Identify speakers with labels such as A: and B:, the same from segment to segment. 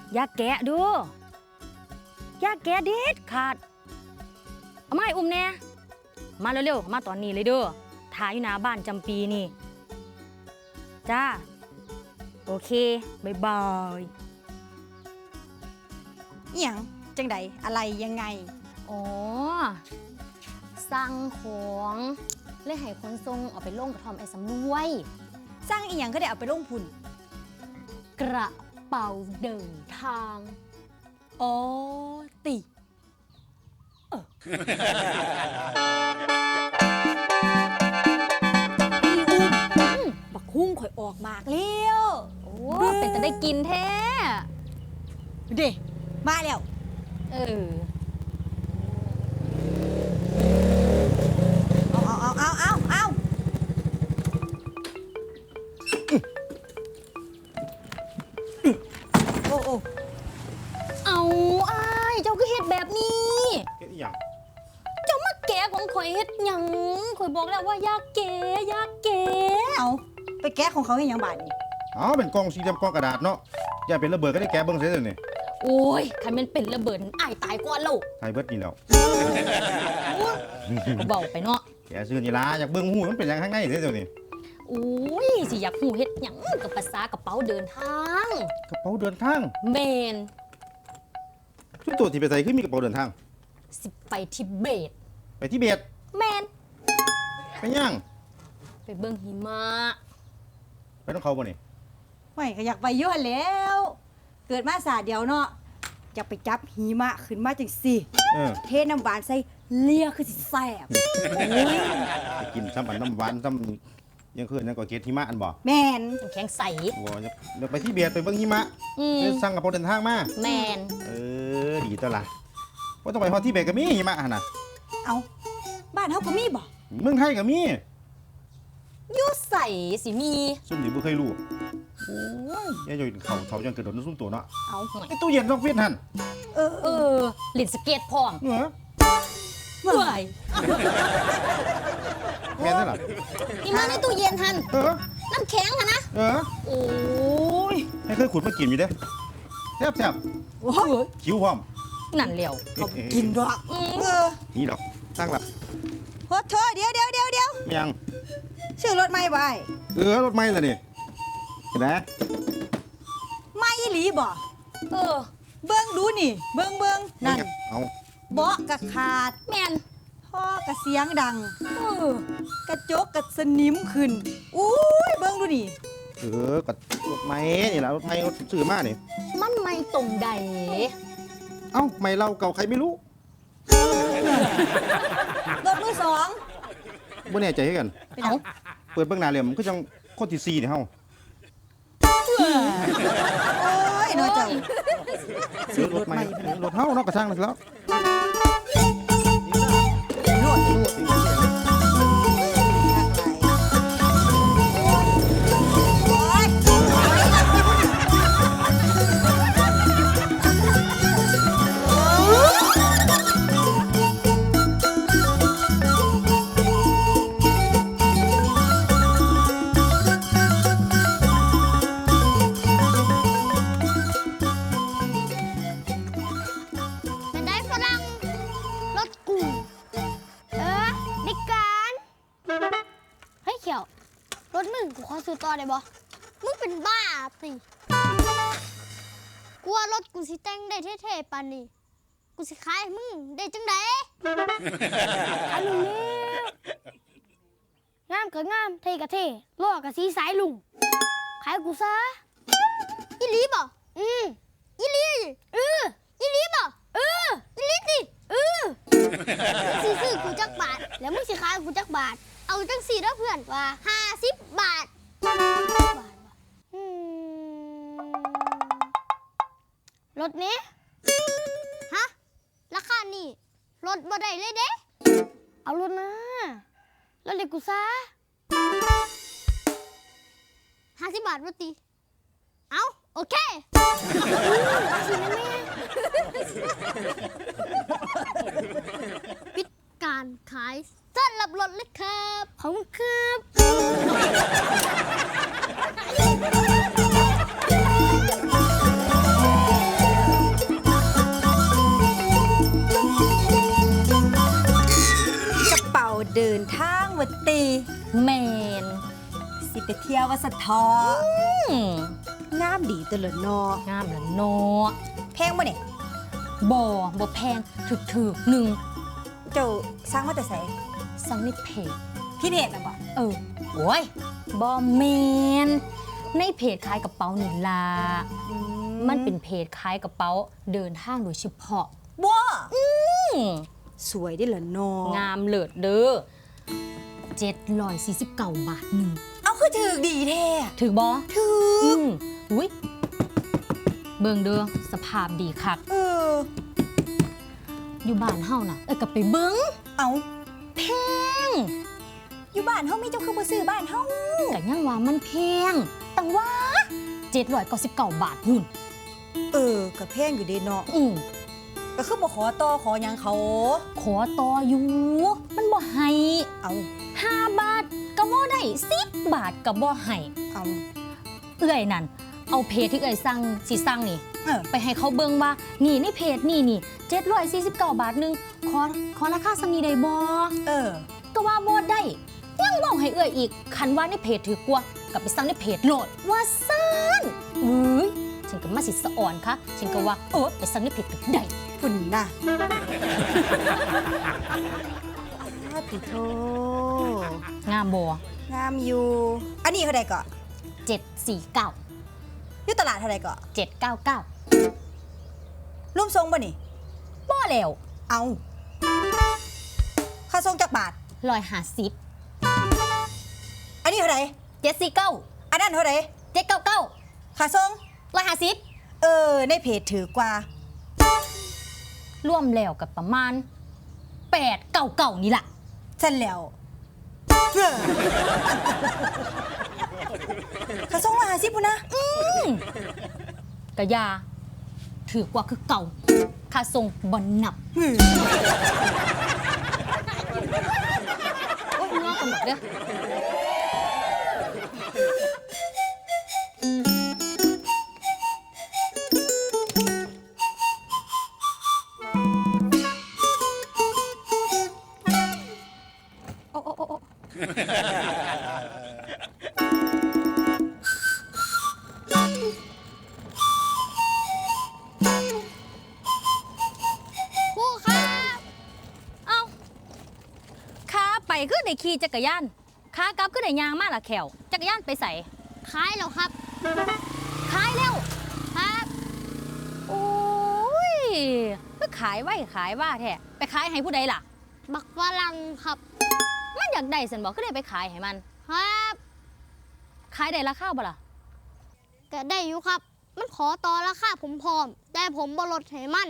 A: อย่าแกะดูอย่าแกะเด็ดขาดเอามาให้อุ้มแน่มาเร็วๆมาตอนนี้เลยเด้อถ่ายอยู่หน้าบ้านจำปีนี่จ้าโอเคบ๊ายบาย
B: อิหยังจังใดอะไรยังไง
A: อ๋อสั่งของเลยให้คนทรงเอาไปลงกระท่อมไอ้สำรวย
B: สร้างอีหยังก็ได้เอาไปลงทุน
A: กระเป๋าเดินทาง
B: อ๋อติบักคุ้งข่อยออกมากเลี้ยว
A: โอ้เป็นจะได้กินแท้
B: เด้มาแล้วเอาโอ้
A: เอาอ้ายเจ้าก็เฮ็ดแบบนี้
C: เฮ็ดอีหยัง
A: เจ้ามาแกะของข่อยเฮ็ดหยังข่อยบอกแล้วว่าอย่าแกะ
B: เอาไปแกะของเขาให้หยังบาดนี่
C: เป็นกล่องสี่เหลี่ยมกล่องกระดาษเนาะอย่าเป็นระเบิดก็ได้แกะเบิ่งเสียเลยนี่
A: โอ้ยคันมันเป็นระเบิดอ้ายตายก่อนแล้ว
C: ตายเบิดนี่แล้ว
A: เบาไปเนาะ
C: แกะซื้อนี่ล่ะอยากเบิ่งหูมันเป็นหยังข้างในเสียเดี๋ยวนี้
A: โอ้ยสิอยากหูเฮ็ดหยังกับภาษากระเป๋าเดินทาง
C: กระเป๋าเดินทาง
A: แมน
C: ชุดตัวที่ไปใส่ขึ้นมีกระเป๋าเดินทาง
A: สิไปทิเบต
C: ไปทิเบต
A: แมน
C: ไปยัง
A: ไปเบิ่งหิมะ
C: ไปต้องเขาบ่นี่
B: ไม่ก็อยากไปยั่วแล้วเกิดมาศาสตร์เดียวเนาะอยากไปจับหิมะขึ้นมาจังสิเทน้ำหวานใส่เลียคือสิแซ่บ
C: ไปกินซ้ำอันน้ำหวานซ้ำยังคือนั่นก็เกล็ดหิมะอันบ่
B: แมน
A: แข็งใส
C: บ่เดี๋ยวไปทิเบตไปเบิ่งหิมะสั่งกระเป๋าเดินทางมา
A: แมน
C: ดีตัวละว่าต้องไปฮอดทิเบตก็มีหิมะหั่นน่ะ
B: เอาบ้านเฮาก็มีบ่
C: เมืองไทยก็มี
A: อยู่ใส่สิมี
C: ซุ่มที่บ่เคยรู้โอ้ยอย่าอยู่เขาจังเกิดโดนซุ่มตัวเนาะ
A: เอา
C: ไอ้ตู้เย็นต้องฟิตหั่น
A: เล่นสเก็ตพร้อมเมื่อย
C: แม่นได้หรอ
A: อีมาในตู้เย็นหั่นน้ำแข็งหั่นนะโอ้
C: ยให้เคยขุดมากินอยู่เด้แซ่บ
B: โอ้ย
C: คิ้วพร้อม
A: นั่นเลี้ยว
B: เขากินดอก
C: นี่ดอกตั้งหลับ
B: โหเธอเดี๋ยว
C: ยัง
B: ชื่อรถไม่บ่
C: รถไม่ละนี่เห็นไหม
B: ไม่หลีบ่เบิ้งดูนี่เบิ้งนั่น
C: เอา
B: เบาะกระขาด
A: แมน
B: ท่อกระเสียงดังกระจกกระสนิมขึ้นอุ้ยเบิ้งดูนี่
C: กับรถไม่นี่แหละรถไม่รถซื้อมานี่
A: มันไม่ตรงใด
C: ไม่เล่าเก่าใครไม่รู้
B: รถมือสอง
C: บ่แน่ใจกันเปิดเบื้องหน้าเลยมันก็จังโคตรที่ซีเนี่ยเฮา
B: โอ้ยน้อยจัง
C: รถไม่รถเฮาเนาะกระช่างแล้ว
D: รถมึงกูขอซื้อต่อได้บ่มึงเป็นบ้าสิกูว่ารถกูสิแต่งได้เท่ๆปานนี้กูสิขายมึงได้จังได๋
E: อันนี้งามก็งามเท่ก็เท่ล้อก็สีสายลุงขายกูซะ
D: อีหลีบ่อีหลีอีหลีบ่อีหลีสิสิซื้อกูจักบาทแล้วมึงสิขายกูจักบาทเอาจัง4เด้อเพื่อนว่า50 บาท
E: รถนี้
D: ฮะราคานี่รถบ่ได้เลยเด้
E: เอารถนะรถเด็กกูซะ
D: 50 บาทบ่ติเอาโอเคปิดการขายสำหรับรถเลยครับ
E: ขอบคุณครับ
A: แมน
B: สิไปเที่ยววัดสะทอ
A: อืม
B: งามดีตัวละเนาะ
A: งามละเนาะ
B: แพงบ่เนี่ย
A: บ่แพงถึกๆหนึ่ง
B: เจ้าสร้างมาแต่ไส
A: สั่งในเพจ
B: พี่เพจน่ะบ่
A: โอ้ยบ่แมนในเพจขายกระเป๋านี่ล่ะมันเป็นเพจขายกระเป๋าเดินทางโดยเฉพาะ
B: บ่
A: อืม
B: สวยได้ละเนาะ
A: งามเลิศเด้อ749 บาทหนึ่ง
B: เอาคือถือดีแท้
A: ถือบ่
B: ถือ
A: อุ้ยเบิ่งเด้อสภาพดีคัก
B: เออ
A: อยู่บ้านเฮาน่ะก็ไปเบิ่ง
B: เอา
A: แพง
B: อยู่บ้านเฮามีเจ้าคือบ่ซื้อบ้านเฮา
A: แต่ยังว่ามันแพงตั้งว่า799 บาทหุ่น
B: ก็แพงอยู่เด้เนาะ
A: อือ
B: ก็คือบ่ขอต่อขอหยังเขา
A: ขอต่ออยู่ มันบ่ให้
B: เอา
A: 5 บาทก็บ่ได้10 บาทก็บ่ให้
B: เอา
A: เอื้อยนั่นเอาเพจที่เอื้อยสั่งสิสั่งนี่
B: เออ
A: ไปให้เขาเบิ่งว่านี่ในเพจนี่749 บาทหนึงขอราคาสั่งนี้ได้บ่
B: เออ
A: ก็ว่าบ่ได้ยังบอกให้เอื้อยอีกคันว่าในเพจถือกว่ากับไปสั่งในเพจโหลดว่าซ่านฉันก็มาสิสะอ่อนค่ะฉันก็ว่าไปสั่งในเพจก็ได้
B: ฝุ่นน่ะติโท
A: งามบ่
B: งามอยู่ อันนี้เท่าใดก็
A: 749
B: อยู่ตลาดเท่าใดก็
A: 799
B: ร่วมทรงบ่นี่
A: บ่แล้ว
B: เอาค่าทรงจักบาท
A: 150
B: อันนี้เท่าใด
A: 749
B: อันนั้นเท่าใด
A: 799
B: ค่าทรง
A: 150
B: ในเพจถือกว่า
A: รวมแล้วกับประมาณ899นี่ล่ะ
B: ฉันแล้วค่าทรง150พุ่นนะ
A: กะยาถือกว่าคือเก่าค่าส่งบ่นับโอ้ยงอกกันหมดเด้อ โอ้
D: ครูครับ
A: เอาขาไปคือได้ขี่จักรยานขากลับคือได้ยางมาล่ะแขวจักรยานไปใส่
D: ขายแล้วครับ
A: ขายแล้ว
D: ครับ
A: โอ้ยก็ขายไว้ขายว่าแท้ไปขายให้ผู้ใดล่ะ
D: บักฝรั่งครับ
A: มันอยากได้สันบอกก็ได้ไปขายให้มัน
D: ครับ
A: ขายได้ราคาบ่ล่ะ
D: ก็ได้อยู่ครับ มันขอต่อราคาผมพร้อม แต่ผมบ่ลดให้มัน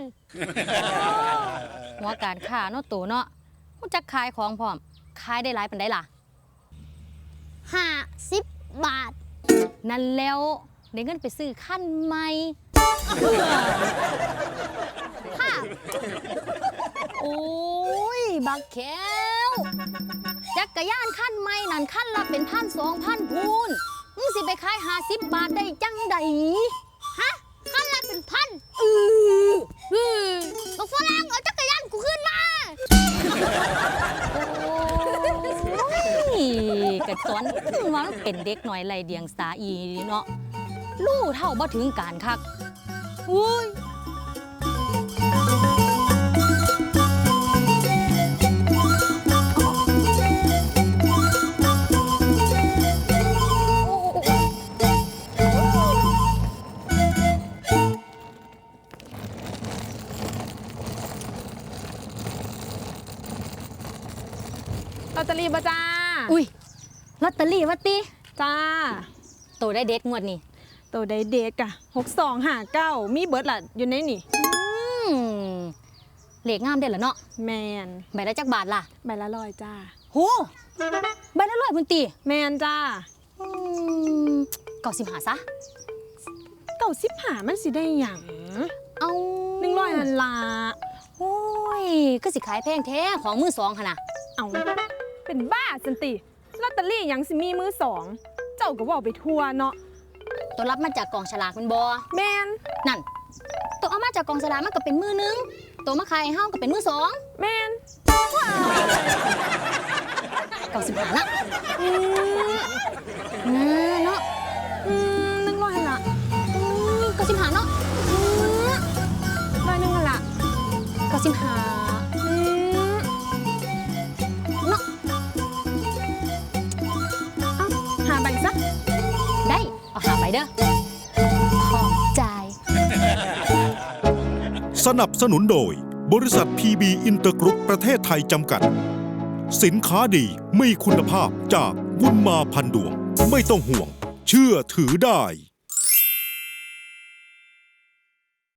A: หัวการค้าเนาะตัวเนาะมันจะขายของพร้อม ขายได้หลายปานใดล่ะ
D: 50 บาท
A: นั่นแล้วได้เงินไปซื้อคันใหม่
D: ค่ะ
A: โอ้ย บักแขวจักรยานคันใหม่นั่นคันละเป็น1,000-2,000พูนมึงสิไปขาย50 บาทได้จังใด
D: ฮะคันละเป็นพันบักฝรั่งเอาจักรยานกูขึ้นมา
A: โอ้ยกระสอนว่ามันเป็นเด็กหน่อยไรเดียงสาอีเนาะลู่เท่าบ่ถึงการคักอุ้ย
F: ลอตเตอรี่ป่ะจ้า
A: อุ้ยลอตเตอรี่วัดติ
F: จ้า
A: โตได้เด็ดงวดนี่
F: ตัวใดเด็กอะ6259มีเบิร์ดละอยู่ในนี่
A: เหล็กงามเด็ดละเนาะ
F: แมน
A: ใบละจักบาทล่ะ
F: ใบละ100จ้า
A: โหใบละ100พุ่นติ
F: แมนจ้า
A: 95ซะ
F: 95มันสิได้หยัง
A: เอา
F: 100นั่นล่ะ
A: โอ้ยก็สิขายแพงแท้ของมือสองขนาด
F: เอาเป็นบ้าสันติลอตเตอรี่หยังสิมีมือสอง เจ้าก็เว้าไปทั่วเนาะ
A: ตัวรับมาจากกองฉลากแมันบอ
F: แมน
A: นั่น ตัวเอามาจากกองฉลากมันก็เป็นมือหนึง ตัวมาขายให้เฮาก็เป็นมือสอง
F: แมน
A: 95ละเนาะ100ละ95เนาะ
F: 100หั่นล่ะ
A: 95เนาะ
F: หาใบซะ
A: ได้เอา5ใบเด้อขอบใจ
G: สนับสนุนโดยบริษัท PB อินเตอร์กรุ๊ปประเทศไทยจำกัดสินค้าดีมีคุณภาพจากบุญมาพันดวงไม่ต้องห่วงเชื่อถือได้